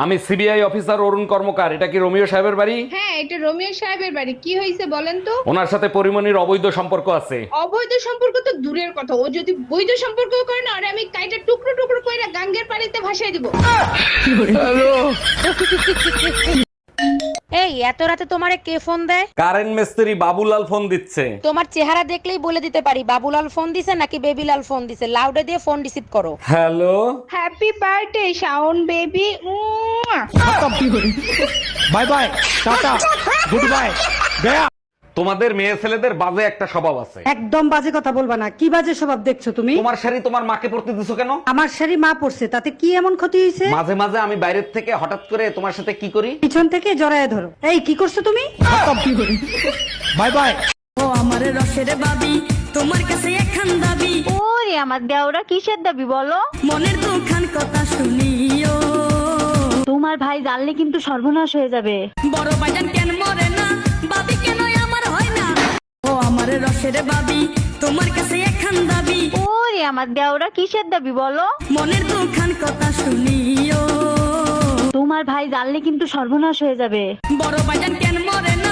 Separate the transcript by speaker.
Speaker 1: আমি CBI officer অরুণ কর্মকার। এটা কি রোমিও সাহেবের বাড়ি?
Speaker 2: হ্যাঁ, এটা রোমিও সাহেবের বাড়ি। কি হয়েছে বলেন তো?
Speaker 1: ওনার সাথে পরিমণির অবৈধ সম্পর্ক আছে।
Speaker 2: অবৈধ সম্পর্ক তো দূরের কথা, ও যদি বৈধ সম্পর্ক করে না, আরে আমি কাইটা টুকরো টুকরো কইরা গাঙ্গের পানিতে ভাসাই দিব।
Speaker 3: এই এত রাতে তোমারে কে ফোন দেয়?
Speaker 1: কারেন্ট মিস্ত্রি বাবুলাল ফোন দিচ্ছে।
Speaker 3: তোমার চেহারা দেখলেই বলে দিতে পারি বাবুলাল ফোন দিছে নাকি বেবিলাল ফোন দিছে। লাউডে দিয়ে ফোন রিসিভ করো।
Speaker 1: Hello.
Speaker 2: Happy birthday Shaon baby.
Speaker 4: Bye bye, tata, good bye, গয়া।
Speaker 1: তোমাদের মেয়ে ছেলেদের বাজে একটা স্বভাব আছে।
Speaker 5: একদম বাজে কথা বলবা না। কি বাজে স্বভাব দেখছো তুমি?
Speaker 1: তোমার শাড়ি তোমার মাকে পরতে দিছো কেন?
Speaker 5: আমার শাড়ি মা পড়ছে, তাতে কি এমন ক্ষতি হয়েছে?
Speaker 1: মাঝে মাঝে আমি বাইরের থেকে হঠাৎ করে তোমার সাথে কি করি?
Speaker 5: পিছন থেকে জড়ায় ধরো। এই কি করছো তুমি?
Speaker 4: Bye bye.
Speaker 6: ও আমার রসের বাবি, তোমার কাছে একখান দাবি।
Speaker 7: ওরে আমার দেওরা কিসের দাবি বলো?
Speaker 6: মনের দুখান কথা শুনিও।
Speaker 7: তোমার ভাই জানলে কিন্তু সর্বনাশ হয়ে যাবে।
Speaker 6: বড় বাজান কেন মরে না, বাবি কেন আমার হয় না। ও আমার রসের বাবি, তোমার কাছে একখান দাবি।
Speaker 7: ওরে আমার দেওরা কিসের দাবি বলো?
Speaker 6: মনের দুখান কথা শুনিও।
Speaker 7: তোমার ভাই জানলে কিন্তু সর্বনাশ হয়ে যাবে।
Speaker 6: বড় বাজান কেন মরে না,